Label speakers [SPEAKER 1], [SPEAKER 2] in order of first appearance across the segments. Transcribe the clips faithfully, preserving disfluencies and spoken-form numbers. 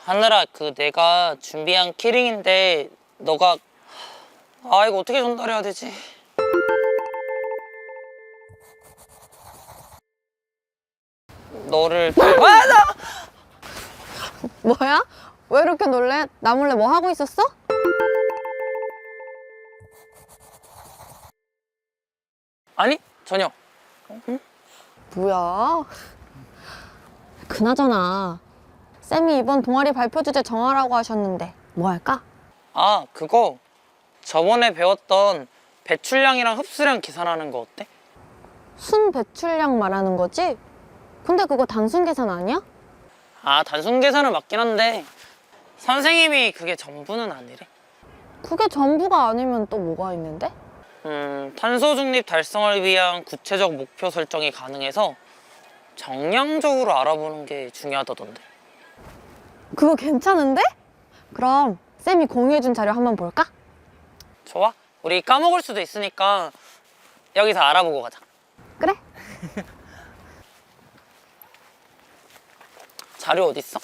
[SPEAKER 1] 하늘아, 그 내가 준비한 키링인데 너가 아 이거 어떻게 전달해야 되지? 너를 아, 나!
[SPEAKER 2] 뭐야? 왜 이렇게 놀래? 나 몰래 뭐 하고 있었어?
[SPEAKER 1] 아니 전혀.
[SPEAKER 2] 뭐야? 그나저나 쌤이 이번 동아리 발표 주제 정하라고 하셨는데 뭐 할까?
[SPEAKER 1] 아 그거 저번에 배웠던 배출량이랑 흡수량 계산하는 거 어때?
[SPEAKER 2] 순 배출량 말하는 거지? 근데 그거 단순 계산 아니야?
[SPEAKER 1] 아 단순 계산은 맞긴 한데 선생님이 그게 전부는 아니래.
[SPEAKER 2] 그게 전부가 아니면 또 뭐가 있는데?
[SPEAKER 1] 음, 탄소 중립 달성을 위한 구체적 목표 설정이 가능해서 정량적으로 알아보는 게 중요하다던데.
[SPEAKER 2] 그거 괜찮은데? 그럼 쌤이 공유해준 자료 한번 볼까?
[SPEAKER 1] 좋아. 우리 까먹을 수도 있으니까 여기서 알아보고 가자.
[SPEAKER 2] 그래?
[SPEAKER 1] 자료 어딨어?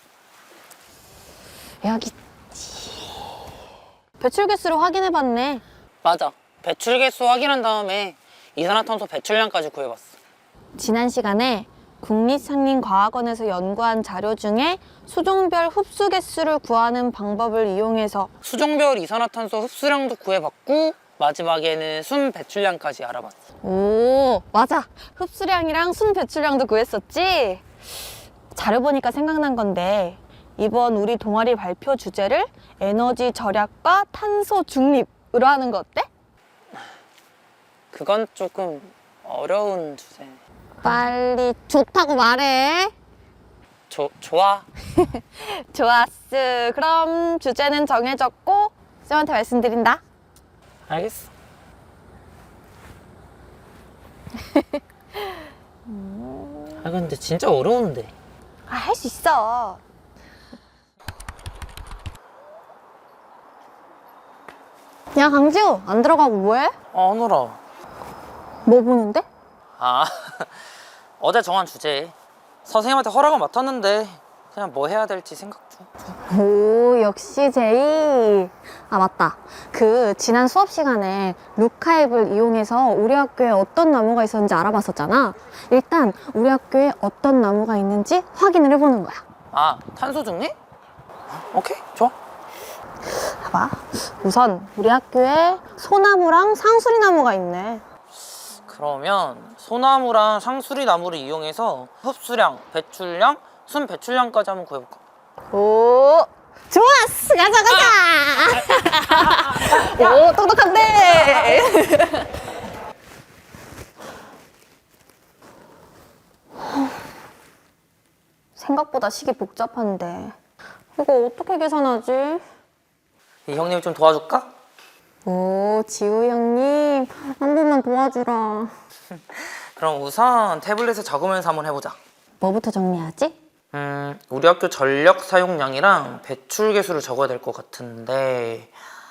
[SPEAKER 2] 여기 있지. 배출 개수를 확인해봤네.
[SPEAKER 1] 맞아. 배출 개수 확인한 다음에 이산화탄소 배출량까지 구해봤어.
[SPEAKER 2] 지난 시간에 국립산림과학원에서 연구한 자료 중에 수종별 흡수 개수를 구하는 방법을 이용해서
[SPEAKER 1] 수종별 이산화탄소 흡수량도 구해봤고 마지막에는 순 배출량까지 알아봤어.
[SPEAKER 2] 오, 맞아. 흡수량이랑 순 배출량도 구했었지? 자료 보니까 생각난 건데 이번 우리 동아리 발표 주제를 에너지 절약과 탄소 중립으로 하는 거 어때?
[SPEAKER 1] 그건 조금 어려운 주제.
[SPEAKER 2] 빨리 좋다고 말해.
[SPEAKER 1] 조, 좋아.
[SPEAKER 2] 좋았어. 그럼 주제는 정해졌고 쌤한테 말씀드린다.
[SPEAKER 1] 알겠어. 아 근데 진짜 어려운데.
[SPEAKER 2] 아, 할 수 있어. 야, 강지우, 안 들어가고 뭐해?
[SPEAKER 1] 아 하늘아.
[SPEAKER 2] 뭐 보는데?
[SPEAKER 1] 아 어제 정한 주제 선생님한테 허락을 맡았는데 그냥 뭐 해야 될지 생각 중.
[SPEAKER 2] 오, 역시 제이. 아, 맞다. 그 지난 수업 시간에 루카앱을 이용해서 우리 학교에 어떤 나무가 있었는지 알아봤었잖아. 일단 우리 학교에 어떤 나무가 있는지 확인을 해보는 거야.
[SPEAKER 1] 아 탄소 중립? 오케이 좋아.
[SPEAKER 2] 봐봐. 우선 우리 학교에 소나무랑 상수리나무가 있네.
[SPEAKER 1] 그러면 소나무랑 상수리 나무를 이용해서 흡수량, 배출량, 순 배출량까지 한번 구해볼까?
[SPEAKER 2] 오, 좋았어. 가자, 가자. 오, 똑똑한데. 생각보다 식이 복잡한데 이거 어떻게 계산하지?
[SPEAKER 1] 이 형님 좀 도와줄까?
[SPEAKER 2] 오, 지우 형님 한 번만 도와주라.
[SPEAKER 1] 그럼 우선 태블릿에 적으면서 한번 해보자.
[SPEAKER 2] 뭐부터 정리하지?
[SPEAKER 1] 음, 우리 학교 전력 사용량이랑 배출 개수를 적어야 될 것 같은데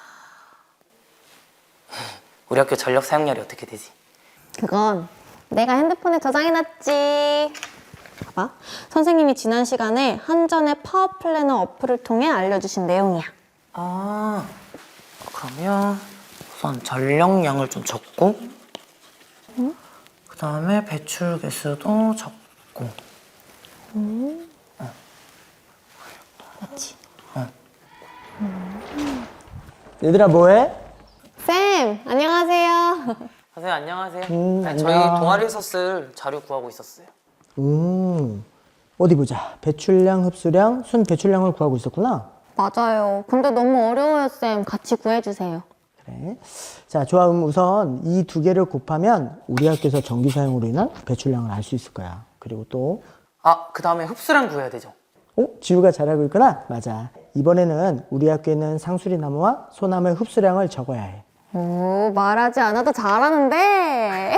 [SPEAKER 1] 우리 학교 전력 사용량이 어떻게 되지?
[SPEAKER 2] 그건 내가 핸드폰에 저장해놨지. 봐봐. 선생님이 지난 시간에 한전의 파워 플래너 어플을 통해 알려주신 내용이야.
[SPEAKER 1] 아, 그러면 우선 전력량을 좀 적고
[SPEAKER 2] 응?
[SPEAKER 1] 그 다음에 배출 개수도 적고
[SPEAKER 2] 음.
[SPEAKER 1] 어.
[SPEAKER 2] 그렇지.
[SPEAKER 1] 어.
[SPEAKER 2] 음.
[SPEAKER 3] 얘들아 뭐해?
[SPEAKER 2] 쌤, 안녕하세요.
[SPEAKER 1] 선생님 안녕하세요.
[SPEAKER 3] 음,
[SPEAKER 1] 네, 저희
[SPEAKER 3] 안녕.
[SPEAKER 1] 동아리에서 쓸 자료 구하고 있었어요.
[SPEAKER 3] 음, 어디 보자. 배출량, 흡수량, 순 배출량을 구하고 있었구나.
[SPEAKER 2] 맞아요. 근데 너무 어려워요, 쌤. 같이 구해주세요.
[SPEAKER 3] 그래. 자, 좋아. 그럼 우선 이 두 개를 곱하면 우리 학교에서 전기 사용으로 인한 배출량을 알 수 있을 거야. 그리고 또,
[SPEAKER 1] 아, 그 다음에 흡수량 구해야 되죠.
[SPEAKER 3] 어? 지우가 잘하고 있구나? 맞아. 이번에는 우리 학교에는 상수리 나무와 소나무의 흡수량을 적어야 해.
[SPEAKER 2] 오, 말하지 않아도 잘하는데.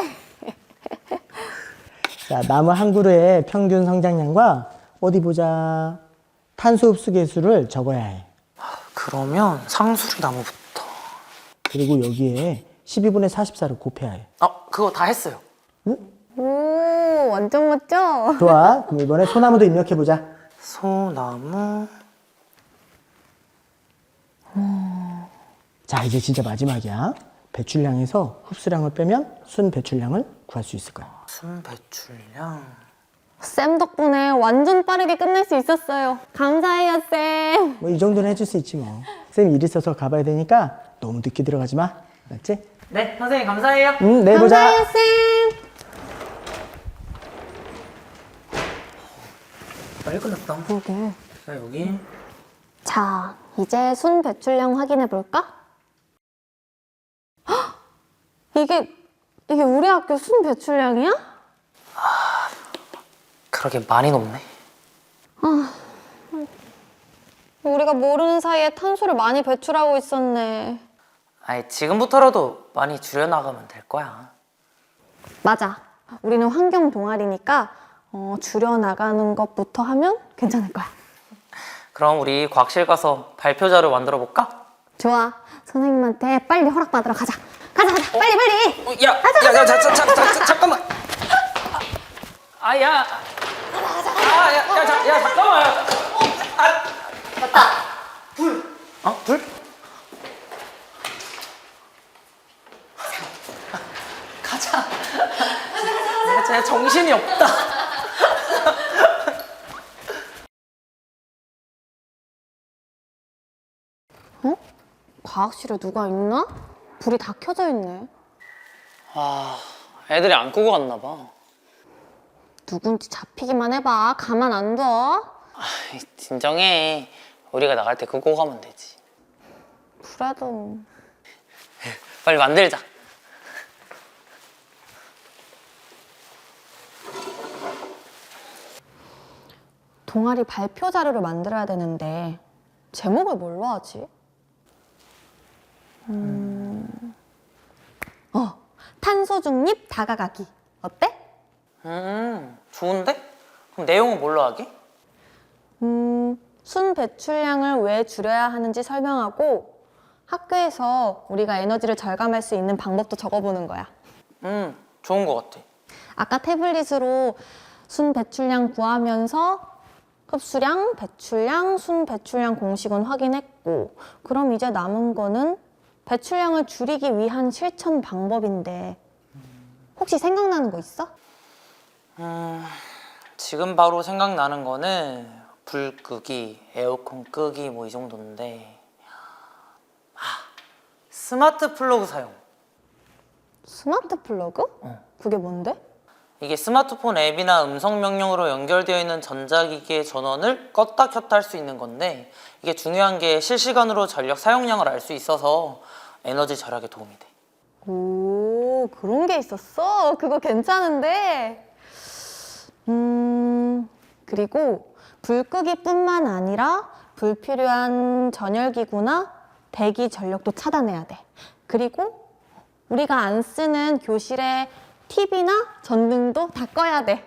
[SPEAKER 3] 자, 나무 한 그루의 평균 성장량과 어디 보자. 탄소 흡수 개수를 적어야 해.
[SPEAKER 1] 그러면 상수리 나무부터.
[SPEAKER 3] 그리고 여기에 십이분의 사십사를 곱해야 해.
[SPEAKER 1] 아, 그거 다 했어요.
[SPEAKER 3] 응?
[SPEAKER 2] 오, 완전 멋져.
[SPEAKER 3] 좋아. 그럼 이번에 소나무도 입력해보자.
[SPEAKER 1] 소나무
[SPEAKER 3] 자, 이제 진짜 마지막이야. 배출량에서 흡수량을 빼면 순 배출량을 구할 수 있을 거야.
[SPEAKER 1] 순 배출량.
[SPEAKER 2] 쌤 덕분에 완전 빠르게 끝낼 수 있었어요. 감사해요, 쌤.
[SPEAKER 3] 뭐 이 정도는 해줄 수 있지 뭐. 쌤 일 있어서 가봐야 되니까 너무 늦게 들어가지 마. 알았지?
[SPEAKER 1] 네, 선생님 감사해요.
[SPEAKER 3] 응, 내일 보자.
[SPEAKER 2] 감사해요, 쌤.
[SPEAKER 1] 빨리 끝났다.
[SPEAKER 2] 그러게.
[SPEAKER 1] 자, 여기.
[SPEAKER 2] 자, 이제 순 배출량 확인해 볼까? 헉! 이게 이게 우리 학교 순 배출량이야?
[SPEAKER 1] 그러게 많이 높네.
[SPEAKER 2] 우리가 모르는 사이에 탄소를 많이 배출하고 있었네.
[SPEAKER 1] 아니, 지금부터라도 많이 줄여나가면 될 거야.
[SPEAKER 2] 맞아. 우리는 환경 동아리니까 어, 줄여 나가는 것부터 하면 괜찮을 거야.
[SPEAKER 1] 그럼 우리 과학실 가서 발표 자료 만들어 볼까?
[SPEAKER 2] 좋아. 선생님한테 빨리 허락받으러 가자. 가자, 가자. 빨리, 빨리.
[SPEAKER 1] 어, 야, 야, 야, 자, 자, 자, 자, 자, 잠깐만. 아, 야. 아, 야, 야, 자, 야, 잠깐만. 아,
[SPEAKER 2] 맞다.
[SPEAKER 1] 불. 어, 불? 가자. 내가 진짜 정신이 없다.
[SPEAKER 2] 어? 과학실에 누가 있나? 불이 다 켜져 있네.
[SPEAKER 1] 아, 애들이 안 끄고 갔나 봐.
[SPEAKER 2] 누군지 잡히기만 해봐. 가만 안 둬.
[SPEAKER 1] 아이, 진정해. 우리가 나갈 때 끄고 가면 되지.
[SPEAKER 2] 그래도
[SPEAKER 1] 빨리 만들자.
[SPEAKER 2] 동아리 발표 자료를 만들어야 되는데 제목을 뭘로 하지? 음... 어, 탄소 중립 다가가기. 어때?
[SPEAKER 1] 음, 좋은데? 그럼 내용은 뭘로 하게?
[SPEAKER 2] 음, 순 배출량을 왜 줄여야 하는지 설명하고 학교에서 우리가 에너지를 절감할 수 있는 방법도 적어보는 거야.
[SPEAKER 1] 음, 좋은 거 같아.
[SPEAKER 2] 아까 태블릿으로 순 배출량 구하면서 흡수량, 배출량, 순 배출량 공식은 확인했고, 그럼 이제 남은 거는 배출량을 줄이기 위한 실천 방법인데 혹시 생각나는 거 있어?
[SPEAKER 1] 음, 지금 바로 생각나는 거는 불 끄기, 에어컨 끄기 뭐 이 정도인데, 아, 스마트 플러그 사용.
[SPEAKER 2] 스마트 플러그? 그게 뭔데?
[SPEAKER 1] 이게 스마트폰 앱이나 음성 명령으로 연결되어 있는 전자기기의 전원을 껐다 켰다 할 수 있는 건데, 이게 중요한 게 실시간으로 전력 사용량을 알 수 있어서 에너지 절약에 도움이 돼.
[SPEAKER 2] 오, 그런 게 있었어? 그거 괜찮은데? 음, 그리고 불 끄기뿐만 아니라 불필요한 전열기구나 대기 전력도 차단해야 돼. 그리고 우리가 안 쓰는 교실의 티비나 전등도 다 꺼야 돼.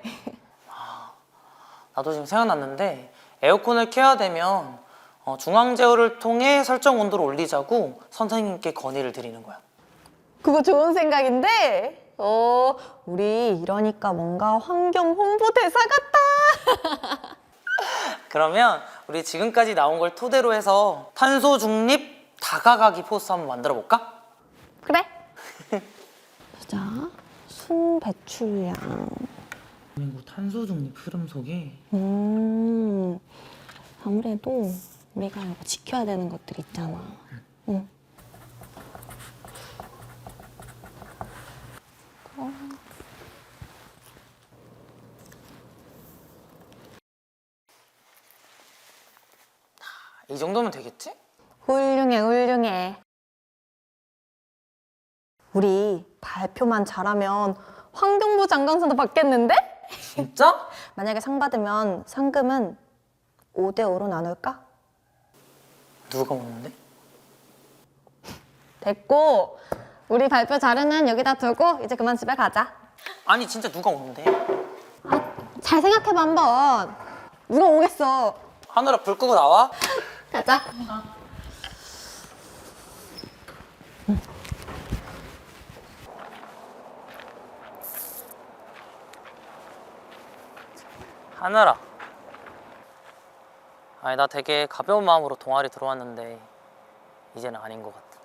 [SPEAKER 1] 나도 지금 생각났는데, 에어컨을 켜야 되면 어, 중앙 제어를 통해 설정 온도를 올리자고 선생님께 건의를 드리는 거야.
[SPEAKER 2] 그거 좋은 생각인데? 어, 우리 이러니까 뭔가 환경 홍보대사 같다.
[SPEAKER 1] 그러면 우리 지금까지 나온 걸 토대로 해서 탄소 중립 다가가기 포스 한번 만들어 볼까?
[SPEAKER 2] 그래. 보자. 순 배출량.
[SPEAKER 1] 그리고 탄소 중립 흐름 속에
[SPEAKER 2] 음, 아무래도 우리가 이거 지켜야 되는 것들 있잖아. 응. 어.
[SPEAKER 1] 이 정도면 되겠지?
[SPEAKER 2] 훌륭해, 훌륭해. 우리 발표만 잘하면 환경부 장관상도 받겠는데?
[SPEAKER 1] 진짜?
[SPEAKER 2] 만약에 상 받으면 상금은 오 대 오로 나눌까?
[SPEAKER 1] 누가 먹는데?
[SPEAKER 2] 됐고, 우리 발표 자료는 여기다 두고 이제 그만 집에 가자.
[SPEAKER 1] 아니 진짜 누가 오는데?
[SPEAKER 2] 아, 잘 생각해봐 한번. 누가 오겠어?
[SPEAKER 1] 하늘아 불 끄고 나와?
[SPEAKER 2] 가자.
[SPEAKER 1] 하늘아, 아니 나 되게 가벼운 마음으로 동아리 들어왔는데 이제는 아닌 것 같아.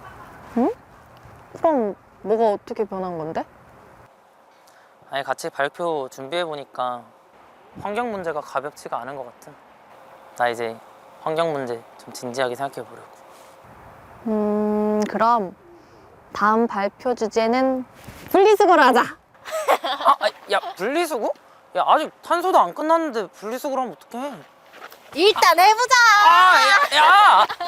[SPEAKER 2] 그럼 뭐가 어떻게 변한 건데?
[SPEAKER 1] 아니 같이 발표 준비해 보니까 환경 문제가 가볍지가 않은 것 같아. 나 이제 환경 문제 좀 진지하게 생각해 보려고.
[SPEAKER 2] 음, 그럼 다음 발표 주제는 분리수거로 하자.
[SPEAKER 1] 아, 아, 야 분리수거? 야 아직 탄소도 안 끝났는데 분리수거를 하면 어떡해?
[SPEAKER 2] 일단 해보자.
[SPEAKER 1] 아, 야, 야!